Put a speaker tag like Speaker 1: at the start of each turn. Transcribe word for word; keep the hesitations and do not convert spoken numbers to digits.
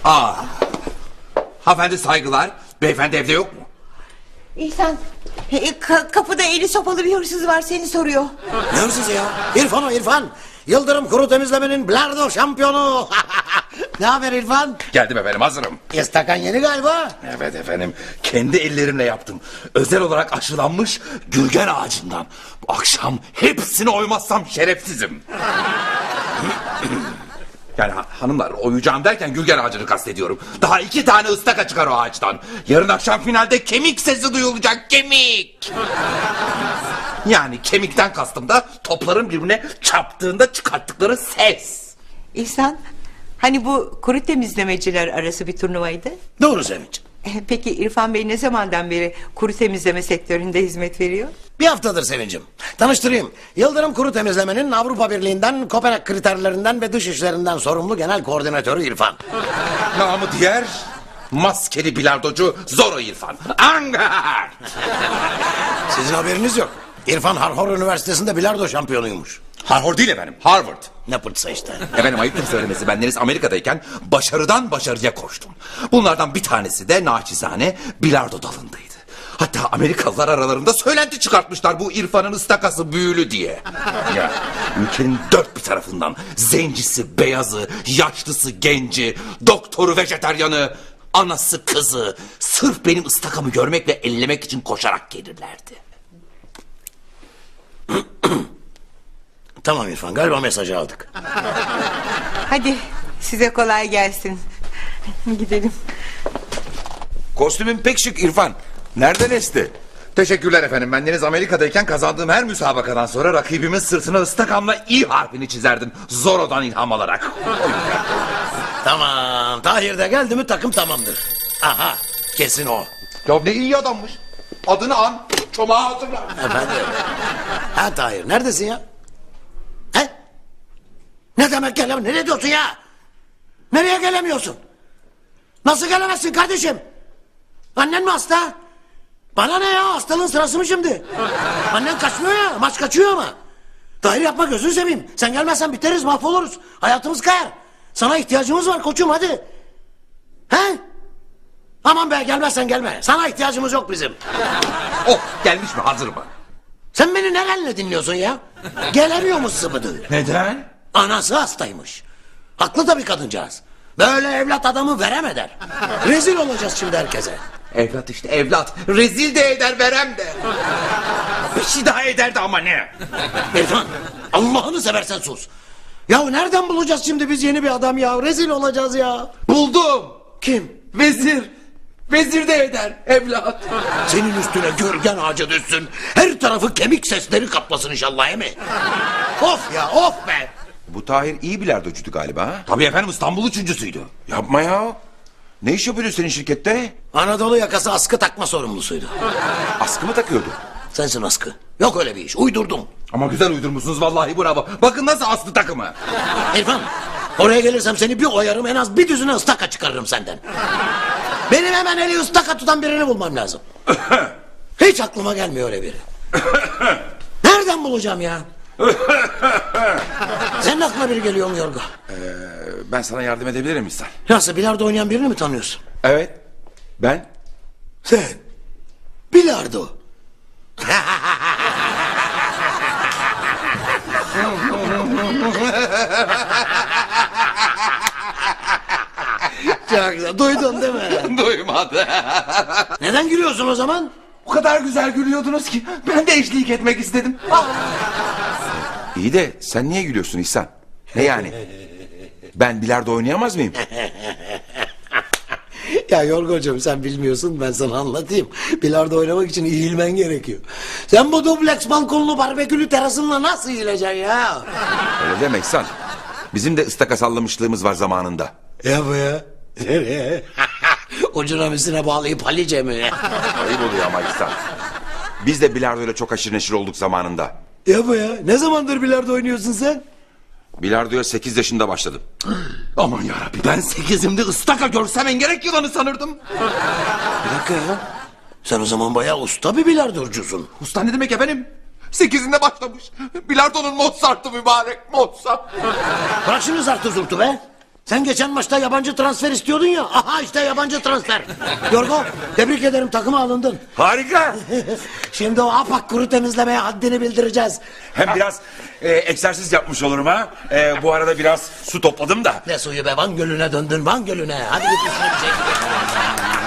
Speaker 1: Aa, hanımefendi saygılar. Beyefendi evde yok mu?
Speaker 2: İhsan, e, ka- kapıda eli sopalı bir hırsız var, seni soruyor.
Speaker 3: Ne hırsızı ya? İrfan o İrfan. Yıldırım Kuru Temizleme'nin bilardo şampiyonu. Ne haber İrfan?
Speaker 1: Geldim efendim, hazırım.
Speaker 3: İstakan yeni galiba.
Speaker 1: Evet efendim, kendi ellerimle yaptım. Özel olarak aşılanmış gürgen ağacından. Bu akşam hepsini oymazsam şerefsizim. Yani ha- hanımlar, oyacağım derken gürgen ağacını kastediyorum. Daha iki tane ıstaka çıkar o ağaçtan. Yarın akşam finalde kemik sesi duyulacak, kemik. Yani kemikten kastım da topların birbirine çarptığında çıkarttıkları ses.
Speaker 2: İhsan, hani bu kuru temizlemeciler arası bir turnuvaydı?
Speaker 3: Doğru Sevinç.
Speaker 2: E, Peki İrfan Bey ne zamandan beri kuru temizleme sektöründe hizmet veriyor?
Speaker 3: Bir haftadır Sevincim. Tanıştırayım. Yıldırım Kuru Temizleme'nin Avrupa Birliği'nden, Kopenhag kriterlerinden ve dış işlerinden sorumlu genel koordinatörü İrfan.
Speaker 1: Namı diğer maskeli bilardocu Zoro İrfan. Angar!
Speaker 3: Sizin haberiniz yok. İrfan Harvard Üniversitesi'nde bilardo şampiyonuymuş.
Speaker 1: Harvard değil efendim, Harvard.
Speaker 3: Ne pırtsa işte.
Speaker 1: Efendim ayıptır söylemesi, bendeniz Amerika'dayken başarıdan başarıya koştum. Bunlardan bir tanesi de naçizane bilardo dalındaydı. Hatta Amerikalılar aralarında söylenti çıkartmışlar, bu İrfan'ın ıstakası büyülü diye. Ya, ülkenin dört bir tarafından zencisi, beyazı, yaşlısı, genci, doktoru, vejeteryanı, anası, kızı sırf benim ıstakamı görmek ve ellemek için koşarak gelirlerdi.
Speaker 3: Tamam İrfan, galiba mesajı aldık.
Speaker 2: Hadi size kolay gelsin. Gidelim.
Speaker 4: Kostümün pek şık İrfan. Nereden esti?
Speaker 1: Teşekkürler efendim. Bendeniz Amerika'dayken kazandığım her müsabakadan sonra rakibimin sırtına ıstakamla İ harfini çizerdim. Zoro'dan ilham alarak.
Speaker 3: Tamam, Tahir de geldi mi takım tamamdır. Aha, kesin o.
Speaker 1: Ya ne iyi adammış. Adını an, çomağı hatırla.
Speaker 3: Efendim? Ha Tahir, neredesin ya? He? Ne demek gelem? Ne diyorsun ya? Nereye gelemiyorsun? Nasıl gelemezsin kardeşim? Annen mi hasta? Bana ne ya? Hastalığın sırası mı şimdi? Annen kaçmıyor ya, maç kaçıyor ama. Tahir yapma, gözünü seveyim. Sen gelmezsen biteriz, mahvoluruz. Hayatımız kayar. Sana ihtiyacımız var koçum, hadi. He? Aman be, gelmezsen gelme. Sana ihtiyacımız yok bizim.
Speaker 1: Oh, gelmiş mi, hazır mı?
Speaker 3: Sen beni nerenle dinliyorsun ya? Gelemiyor mu sıvıdı?
Speaker 1: Neden?
Speaker 3: Anası hastaymış. Haklı tabii kadıncağız. Böyle evlat adamı verem eder. Rezil olacağız şimdi herkese.
Speaker 1: Evlat işte evlat. Rezil de eder, verem de. Bir şey daha ederdi ama ne?
Speaker 3: İrfan, Allah'ını seversen sus. Ya nereden bulacağız şimdi biz yeni bir adam ya? Rezil olacağız ya.
Speaker 1: Buldum.
Speaker 3: Kim?
Speaker 1: Vezir. Vezir de eder evlat.
Speaker 3: Senin üstüne gürgen ağacı düşsün. Her tarafı kemik sesleri kaplasın inşallah, he mi? Of ya, of be.
Speaker 4: Bu Tahir iyi bilardocuydu galiba ha?
Speaker 1: Tabii efendim, İstanbul üçüncüsüydü.
Speaker 4: Yapma ya. Ne iş yapıyorsun senin şirkette?
Speaker 3: Anadolu yakası askı takma sorumlusuydu.
Speaker 4: Askı mı takıyordu?
Speaker 3: Sensin askı. Yok öyle bir iş, uydurdum.
Speaker 1: Ama güzel uydurmuşsunuz vallahi, bravo. Bakın nasıl aslı takımı.
Speaker 3: İrfan, oraya gelirsem seni bir oyarım, en az bir düzine ıstaka çıkarırım senden. Benim hemen eli ıstaka tutan birini bulmam lazım. Hiç aklıma gelmiyor öyle biri. Nereden bulacağım ya? Senin aklına biri geliyor mu Yorgo?
Speaker 4: Ee, ben sana yardım edebilirim İhsan.
Speaker 3: Nasıl, bilardo oynayan birini mi tanıyorsun?
Speaker 4: Evet. Ben?
Speaker 3: Sen. Bilardo. Çok güzel. Duydun değil mi?
Speaker 1: Duymadı.
Speaker 3: Neden gülüyorsun o zaman?
Speaker 1: O kadar güzel gülüyordunuz ki ben de eşlik etmek istedim. Ah.
Speaker 4: İyi de sen niye gülüyorsun İhsan? Ne yani? Ben bilardo oynayamaz mıyım?
Speaker 3: Ya Yorgocuğum, sen bilmiyorsun, ben sana anlatayım. Bilardo oynamak için eğilmen gerekiyor. Sen bu dubleks balkonlu barbekülü terasınla nasıl eğileceksin ya?
Speaker 4: Öyle deme İhsan. Bizim de ıstaka sallamışlığımız var zamanında.
Speaker 3: Ya bu ya. Nereye? Ucuna misine bağlayıp Halice mi?
Speaker 4: Ayıp oluyor ama İhsan. Biz de bilardoyla çok aşırı neşir olduk zamanında.
Speaker 3: Ya bu ya. Ne zamandır bilardo oynuyorsun sen?
Speaker 4: Bilardoya sekiz yaşında başladım.
Speaker 1: Aman yarabbi, ben sekizimde ıstaka görsem engerek yılanı sanırdım.
Speaker 3: Bir dakika ya. Sen o zaman bayağı usta bir bilardorcusun.
Speaker 1: Usta ne demek efendim? Sekizinde başlamış. Bilardonun Mozart'ı mübarek, Mozart.
Speaker 3: Bırak şimdi zartı zurtu be. Sen geçen maçta yabancı transfer istiyordun ya. Aha işte yabancı transfer. Yorgo tebrik ederim, takıma alındın.
Speaker 4: Harika.
Speaker 3: Şimdi o apak kuru temizlemeye haddini bildireceğiz.
Speaker 4: Hem biraz e, egzersiz yapmış olurum ha. E, bu arada biraz su topladım da.
Speaker 3: Ne suyu be, Van Gölü'ne döndün, Van Gölü'ne. Hadi git üstüne bir şey giy.